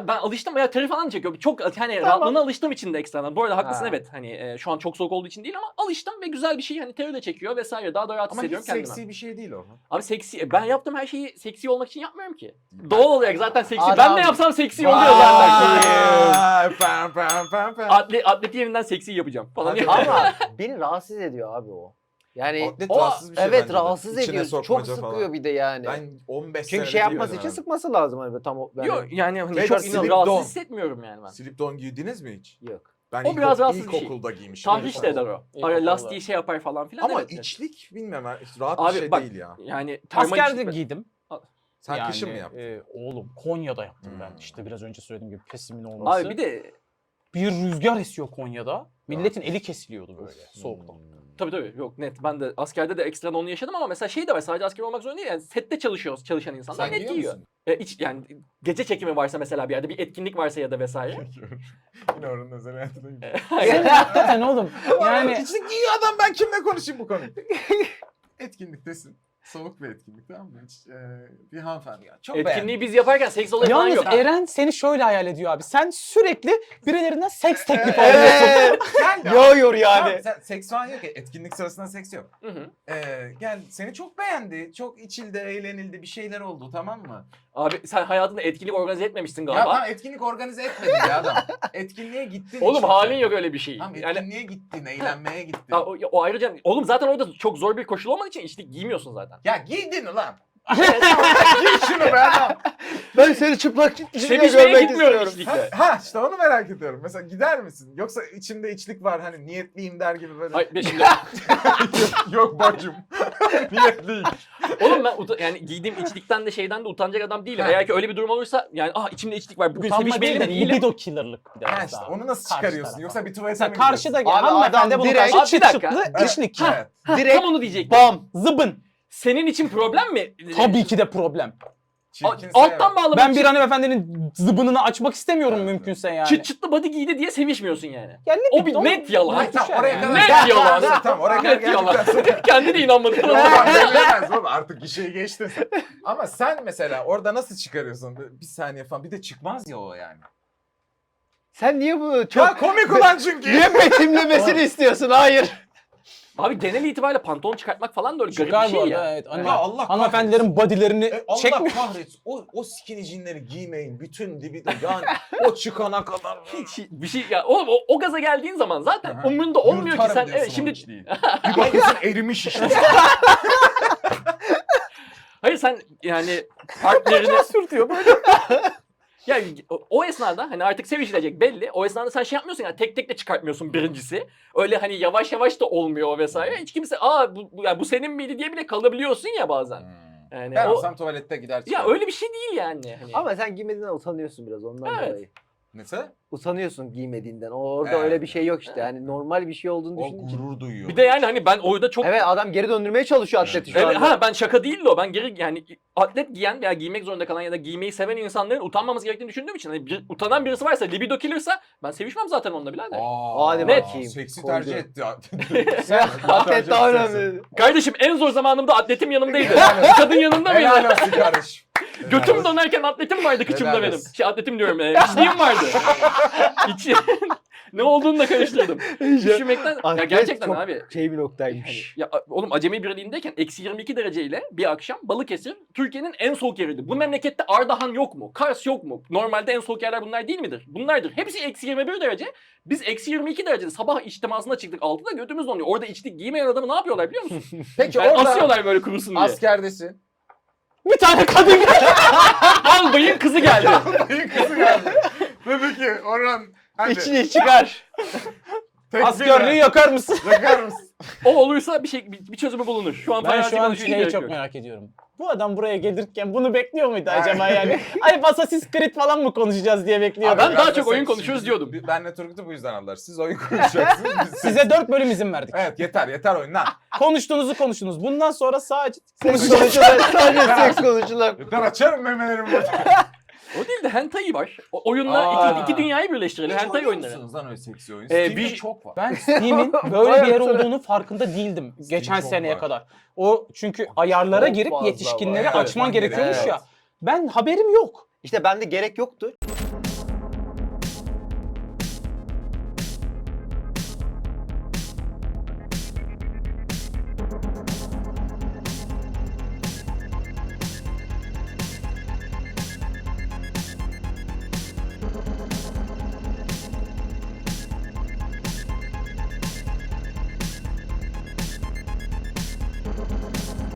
Abi ben alıştım ya, teri falan çekiyor. Çok hani rahatlığına alıştığım için de ekstradan. Bu arada haklısın, evet. Hani şu an çok soğuk olduğu için değil ama alıştım ve güzel bir şey. Hani teri de çekiyor vesaire. Daha da rahat Ama hiç hissediyorum kendime. seksi bir şey değil o. Abi seksi, ben yaptığım her şeyi seksi olmak için yapmıyorum ki. Doğal olarak zaten seksi. Adam- Ben ne yapsam seksi oluyor zaten. Atleti yerinden seksi yapacağım falan. Ama beni rahatsız ediyor abi o. Yani Atlet o rahatsız bir şey evet bence de. rahatsız İçine ediyor. Çok sokmaca sıkıyor falan. bir de yani. Ben 15 Çünkü senedir şey yapması giyiyorum için abi. sıkması lazım hani tam o. Yok yani hani Ve çok slip rahatsız don. hissetmiyorum yani ben. Slip don giydiniz mi hiç? Yok. Ben O biraz rahatsız bir şey. ilkokulda giymiştim. Tahriş de eder o. İlkokulda. Ara lastiği şey yapar falan filan. Ama evet. içlik bilmem rahat Abi bir şey bak, değil ya. yani termal Askerde içlik- giydim. Sen Yani, kışın mı yaptın? Oğlum Konya'da yaptım ben. Hmm. İşte biraz önce söylediğim gibi pesimin olması. Abi bir de bir rüzgar esiyor Konya'da. Milletin eli kesiliyordu böyle soğuktan. tabii yok net. Ben de askerde de ekstradan onu yaşadım ama mesela şey de var, sadece asker olmak zorunda değil. Yani sette çalışan insanlar Sen net giyiyor giyiyor. musun? Yani gece çekimi varsa mesela bir yerde bir etkinlik varsa ya da vesaire. Yine oranın özel hayatına gidiyor. Sen hakikaten oğlum. Yani Yani içlik giyiyor adam, ben kimle konuşayım bu konuyu? Etkinliktesin. Soğuk bir etkinlik, tamam mı? Bir hanımefendi ya. Çok Etkinliği biz yaparken seks olayı falan yalnız yok. Eren seni şöyle hayal ediyor abi. Sen sürekli birilerinden seks teklifi alıyorsun. Evet. Gel Yoğuyor Tamam, yani. sen seks falan yok ya. Etkinlik sırasında seks yok. Hı hı. Gel seni çok beğendi. Çok içildi, eğlenildi. Bir şeyler oldu, tamam mı? Abi sen hayatında etkinlik organize etmemişsin Ya galiba. tamam, etkinlik organize etmedin ya adam. Etkinliğe gittin. Oğlum işte. halin yok öyle bir şey. Tamam, Yani etkinliğe gittin, eğlenmeye gittin. o ayrıca oğlum zaten orada çok zor bir koşul olmadığı için içlik giymiyorsun zaten. Ya giydin ulan. Giy şunu be adam. Ben seni çıplak içinde Sevişmeye görmek gitmiyorum istiyorum. içlikle. Ha işte onu merak ediyorum. Mesela gider misin? Yoksa içimde içlik var, hani niyetliyim der gibi böyle. Hayır şimdi Yok bacım. Niyetliyim. oğlum ben yani giydiğim içlikten de şeyden de utanacak adam değilim. Ha. Eğer ki öyle bir durum olursa yani içimde içlik var. Bugün Utanma değil sevişmeyelim de mi değilim. libido killer'lık bir de. Ha mesela. işte onu nasıl Karşı çıkarıyorsun? tarafa. Yoksa bir tuvalete Mesela mi karşıda gidiyorsun? Abi hanımefendi adam bunu direkt- karşı Abi bir çıt dakika. çıtlı işlik. Evet. Direkt Tam onu diyecektim. bam. Zıbın. Senin için problem mi? Tabii ki de problem. Çirkinse Alttan bağlamak Ben için bir hanımefendinin zıbınını açmak istemiyorum Evet, mümkünse yani. çıt çıtlı body giydi diye sevişmiyorsun yani. Yani O bir net yalan. Hayır, tamam, oraya kadar Net gel. yalan. Tamam, oraya kadar Net yalan. geldikten sonra. Kendi de inanmadı. Tamam, bilemez oğlum, artık gişeyi geçtin sen. Ama sen mesela orada nasıl çıkarıyorsun? Bir saniye falan. Bir de çıkmaz ya o yani. Sen niye bunu çok Ya komik ulan çünkü. niye betimlemesini istiyorsun? Hayır. Abi genel itibariyle pantolon çıkartmak falan da öyle garip Çıkar bir bu şey arada ya. evet. Ya Allah Hanımefendilerin bodylerini Allah çekmiyor. kahretsin. O skinny jeanleri giymeyin. Bütün dibi yani o çıkana kadar. Hiç bir şey ya oğlum o gaza geldiğin zaman zaten Aha. umrunda olmuyor ki Yırtarım sen diyorsun evet şimdi onun içliği. Bir bakıyorsun erimiş işte. hayır sen yani partnerini sürtüyor böyle. Ya o esnada hani artık sevişilecek belli. O esnada sen şey yapmıyorsun yani tek tek de çıkartmıyorsun birincisi. Öyle hani yavaş yavaş da olmuyor o vesaire. Hiç kimse bu senin miydi diye bile kalabiliyorsun ya bazen. Yani Ben o olsam tuvalette gider ya çıkarım. öyle bir şey değil yani. Hani. Ama sen giymediğinden utanıyorsun biraz ondan Evet. dolayı. Mesela Utanıyorsun giymediğinden. Orada Evet. öyle bir şey yok işte. Yani normal bir şey olduğunu o düşündüğün için. gurur duyuyor. Bir de yani hani ben orada çok Evet adam geri döndürmeye çalışıyor atleti şu Evet, anda. ben şaka değildi o. Ben geri yani atlet giyen veya giymek zorunda kalan ya da giymeyi seven insanların utanmaması gerektiğini düşündüğüm için hani utanan birisi varsa libido killer'sa ben sevişmem zaten onunla birader. Hadi Net. bakayım. Seksi Koydu. tercih etti. Atlet daha önemli. Kardeşim en zor zamanımda atletim yanımdaydı. Kadın yanında Helal mıydı? olsun kardeşim. Götüm dönerken atletim vardı kıçımda Helal benim. olsun. Atletim diyorum. İçliğim vardı. İçi... ne olduğunu da karıştırdım. Üşümekten... Ya Atlet gerçekten çok abi. şey bir Hani, noktaymış. ya oğlum Acemi Birliği'ndeyken eksi 22 dereceyle bir akşam Balıkesir Türkiye'nin en soğuk yeriydi. Bu memlekette Ardahan yok mu? Kars yok mu? Normalde en soğuk yerler bunlar değil midir? Bunlardır. Hepsi eksi 21 derece. Biz eksi 22 derecede sabah içtimasına çıktık 6'da götümüz donuyor. Orada içlik giymeyen adamı ne yapıyorlar biliyor musun? Peki Yani orada asıyorlar böyle kurusun diye. askerdesin. Bir tane kadın Albayın kızı geldi. Dayı kızı geldi. Dedi ki Orhan hadi İçini çıkar. tekbir askerliği ver. yakar mısın? Yakar mısın? O olursa bir çözümü bulunur. Şu an Ben farazi şu an konuşuyor, şeyi gerek çok yok. merak ediyorum. Bu adam buraya gelirken bunu bekliyor muydu acaba yani? Ay Assassin's Creed falan mı konuşacağız diye bekliyordu. Ben Abi, daha biraz çok da oyun sen- konuşuyoruz diyordum. Benle Turgut'u bu yüzden aldılar. Siz oyun konuşacaksınız. Biz Size 4 bölüm izin verdik. Evet yeter oyun lan. Konuştuğunuzu konuştunuz. Bundan sonra sadece Seks konuşular. Sadece seks konuşular. Yeter açarım memelerimi burada. O değil de hentai var. Oyunla iki dünyayı birleştirelim. Hentai oyunları. Lan öyle seksi oyun? Ee, Steam'de bir- çok var. ben Steam'in böyle bir yer olduğunu farkında değildim geçen çok seneye var. kadar. O çünkü ayarlara Çok girip fazla yetişkinleri var. açman Evet, gerekiyormuş evet. ya. Ben haberim yok. İşte bende gerek yoktu.